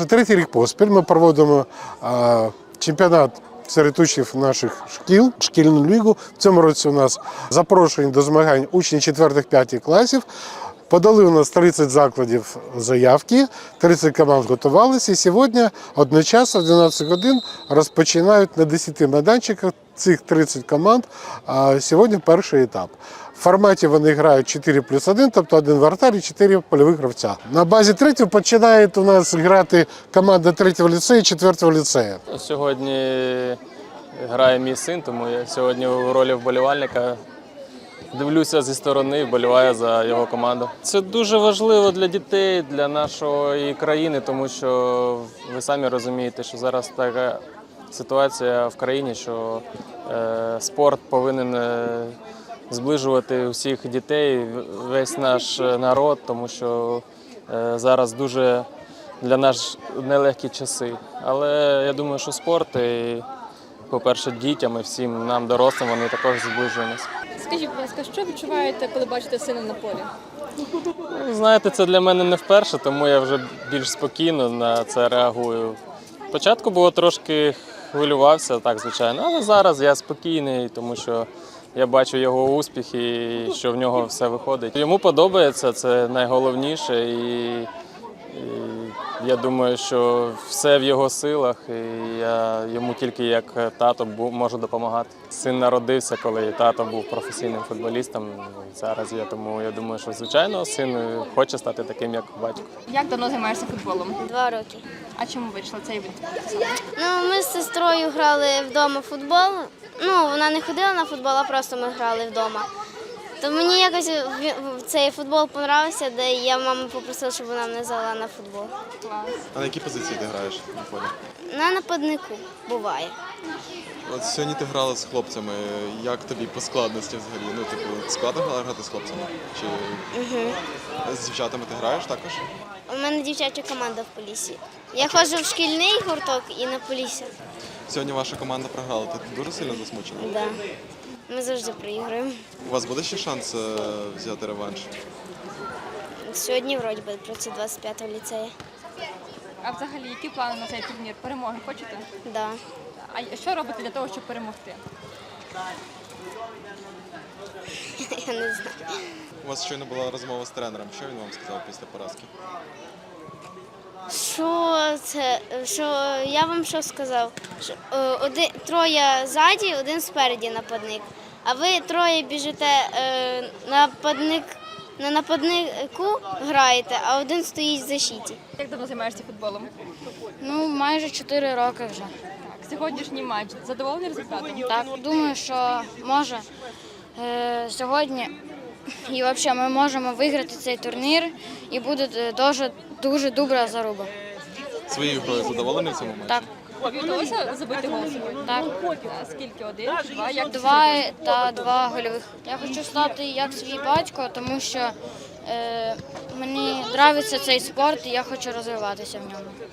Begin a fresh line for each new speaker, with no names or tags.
Вже третій рік поспіль ми проводимо чемпіонат серед учнів наших шкіл, шкільну лігу. В цьому році у нас запрошені до змагань учні 4-5 класів. Подали у нас 30 закладів заявки, 30 команд готувалися. І сьогодні одночасно в 12 годин розпочинають на 10 майданчиках цих 30 команд. Сьогодні перший етап. В форматі вони грають 4+1, тобто один вратар і 4 польових гравця. На базі третього починає у нас грати команда 3-го ліцею і 4-го ліцею.
Сьогодні грає мій син, тому я сьогодні у ролі вболівальника. Дивлюся зі сторони, вболіваю за його команду. Це дуже важливо для дітей, для нашої країни, тому що ви самі розумієте, що зараз така ситуація в країні, що спорт повинен зближувати усіх дітей, весь наш народ, тому що зараз дуже для нас нелегкі часи. Але я думаю, що спорт, по-перше, дітям і всім нам, дорослим, вони також зближують нас.
Скажіть, будь ласка, що відчуваєте, коли бачите сина на полі?
Знаєте, це для мене не вперше, тому я вже більш спокійно на це реагую. Спочатку було трошки хвилювався, так, звичайно, але зараз я спокійний, тому що я бачу його успіхи і що в нього все виходить. Йому подобається, це найголовніше, і я думаю, що все в його силах, і я йому тільки як тато можу допомагати. Син народився, коли тато був професійним футболістом. Зараз тому я думаю, що звичайно син хоче стати таким, як батько.
Як давно займаєшся футболом?
2 роки.
А чому вийшла цей вид?
Ми з сестрою грали вдома в футбол. Вона не ходила на футбол, а просто ми грали вдома. То мені якось цей футбол подобався, де я маму попросила, щоб вона мене взяла на футбол.
А на якій позиції ти граєш на полі?
На нападнику буває.
От сьогодні ти грала з хлопцями. Як тобі по складності взагалі? Складно грати з хлопцями? Чи з дівчатами ти граєш також?
У мене дівчача команда в Поліссі. Я ходжу в шкільний гурток і на Полісся.
Сьогодні ваша команда програла. Ти дуже сильно засмучена?
Да. Ми завжди проіграємо.
У вас буде ще шанс взяти реванш?
Сьогодні, вроді би, проти 25-го ліцею.
А взагалі, які плани на цей турнір? Перемоги хочете?
Да.
А що робите для того, щоб перемогти?
Я не знаю.
У вас щойно була розмова з тренером. Що він вам сказав після поразки?
Що я вам що сказав? Що, троє ззаді, один спереді нападник. А ви троє біжите на нападнику граєте, а один стоїть в защиті.
Як давно займаєшся футболом?
Майже 4 роки вже.
Так, сьогоднішній матч. Задоволений результатом?
Так, думаю, що може сьогодні і взагалі ми можемо виграти цей турнір і буде дуже добра заруба.
Своєю грою задоволений в цьому матчі?
Так.
Тобі вдалося забити гол сьогодні?
Так.
А скільки? 1, 2? Як
2 та 2 гольових. Я хочу стати як свій батько, тому що мені подобається цей спорт і я хочу розвиватися в ньому.